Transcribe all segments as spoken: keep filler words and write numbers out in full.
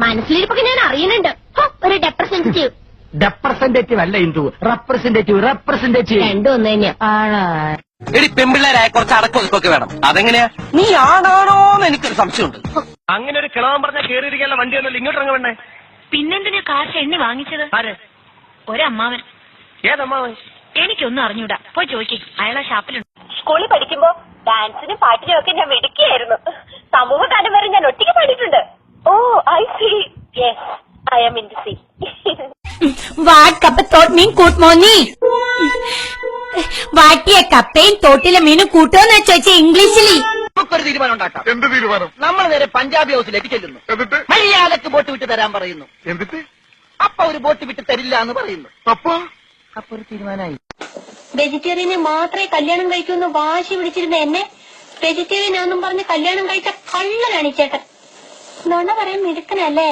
മനസ്സിലിരിപ്പൊക്കെ ഞാൻ അറിയുന്നുണ്ട്. ഹോ, ഒരു റെപ്രസെന്റേറ്റീവ്. റെപ്രസെന്റേറ്റീവ് അല്ല ഇന്ദു, റെപ്രസെന്റേറ്റീവ് റെപ്രസെന്റേറ്റീവ് രണ്ടും ഒന്ന് തന്നെയാ. എടി പെമ്പിള്ളേരായ കുറച്ച് അടക്കൊതുക്കൊക്കെ വേണം. അതെങ്ങനെയാ? നീ ആണാണോന്ന് എനിക്കൊരു സംശയമുണ്ട്. അങ്ങനെ ഒരു കിളവൻ പറഞ്ഞാൽ കേറിയിരിക്കാനുള്ള വണ്ടിയൊന്നുമില്ല, ഇങ്ങോട്ട് ഇറങ്ങ വേണ്ടേ? പിന്നെന്തിനാ കാശ് എണ്ണി വാങ്ങിച്ചത്? ആര്? ഒരമ്മാവൻ. ഏതമ്മാവൻ? എനിക്കൊന്നും അറിഞ്ഞൂടാ, പോയി ചോദിക്കേ, അയാളെ ഷാപ്പിലുണ്ട്. സ്കൂളിൽ പഠിക്കുമ്പോ ഡാൻസിനും പാട്ടിനും ഒക്കെ ഞാൻ മിടുക്കിയായിരുന്നു. സമൂഹ ഗാനം വരെ ഞാൻ ഒറ്റയ്ക്ക് പാടിയിട്ടുണ്ട്. Oh I see. Yes, I am in to see. What കപ്പ തോട്ട് മീൻ കൂട്ട് മോന്നി വാട്ടിയ കപ്പയും തോട്ടിലെ മീനും കൂട്ടോന്ന് ചോദിച്ച ഇംഗ്ലീഷിൽ. നമുക്കൊരു തീരുമാനം ഉണ്ടാക്കാം. എന്ത് തീരുമാനം? നമ്മൾ നേരെ പഞ്ചാബി ഹൗസിലേക്ക് ചെല്ലുന്നു. എന്നിട്ട് മര്യാദക്ക് ബോട്ട് വിട്ട് തരാൻ പറയുന്നു. എന്നിട്ട് അപ്പൊ ഒരു ബോട്ട് വിട്ട് തരില്ല എന്ന് പറയുന്നു. അപ്പൊ അപ്പൊ ഒരു തീരുമാനമായി. വെജിറ്റേറിയനെ മാത്രമേ കല്യാണം കഴിക്കൂന്ന് വാശി പിടിച്ചിരുന്ന എന്നെ വെജിറ്റേറിയൻ ആണെന്നും പറഞ്ഞ് കല്യാണം കഴിച്ച കള്ളനാണ് ഈ ചേട്ടൻ. നുണ പറയാൻ മിടുക്കനല്ലേ?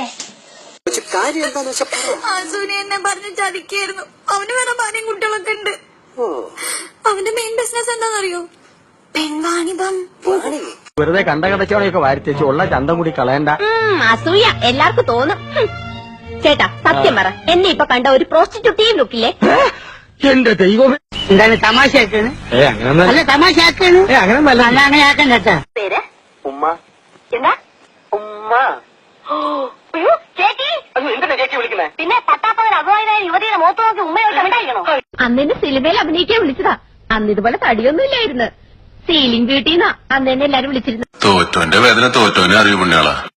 ആസൂനെ എന്നെ പറഞ്ഞ് ചതിക്കായിരുന്നു. അവന് വേറെ ഭാര്യയും കുട്ടികളൊക്കെ ഉണ്ട്. അവന്റെ മെയിൻ ബിസിനസ് എന്താണെന്നറിയോ? പെൺവാണിഭം. വെറുതെ കണ്ട കടച്ചോടെയൊക്കെ വാരിത്തേച്ച് ഉള്ള ചന്തം കൂടി കളയണ്ട. അസൂയ എല്ലാവർക്കും തോന്നും. ഹും. ചേട്ടാ സത്യം പറ, എന്നെ ഇപ്പൊ കണ്ട ഒരു പ്രോസ്റ്റിറ്റ്യൂട്ടീവ് ലുക്കില്ലേ? എന്റെ ദൈവമേ, എന്താണ് തമാശയാക്കാണ്? ഏ അങ്ങനെ അല്ല തമാശയാക്കാണ്. ഏ അങ്ങനെ അല്ല അങ്ങനെ ആക്കണ്ട കേട്ടാ. പേര് ഉമ്മ. എന്താ? ഉമ്മ. അയ്യോ, ചേച്ചി. എന്തിനാ ചേച്ചി വിളിക്കുന്നേ? പിന്നെ പട്ടാപ്പകൽ അപമാനായ യുവതിയുടെ മുഖത്ത് നോക്കി ഉമ്മയോട്ട് ഉണ്ടായിരിക്കണോ? അന്നെന്നെ സിനിമയിൽ അഭിനയിക്കാൻ വിളിച്ചതാ. അന്ന് ഇതുപോലെ തടിയൊന്നും ഇല്ലായിരുന്നു. സീലിംഗ് ബ്യൂട്ടിന്നാ അന്ന് എന്നെ എല്ലാരും വിളിച്ചിരുന്നു. തോറ്റോന്റെ വേദന തോറ്റോനെ അറിയൂ പുണ്യാളാ.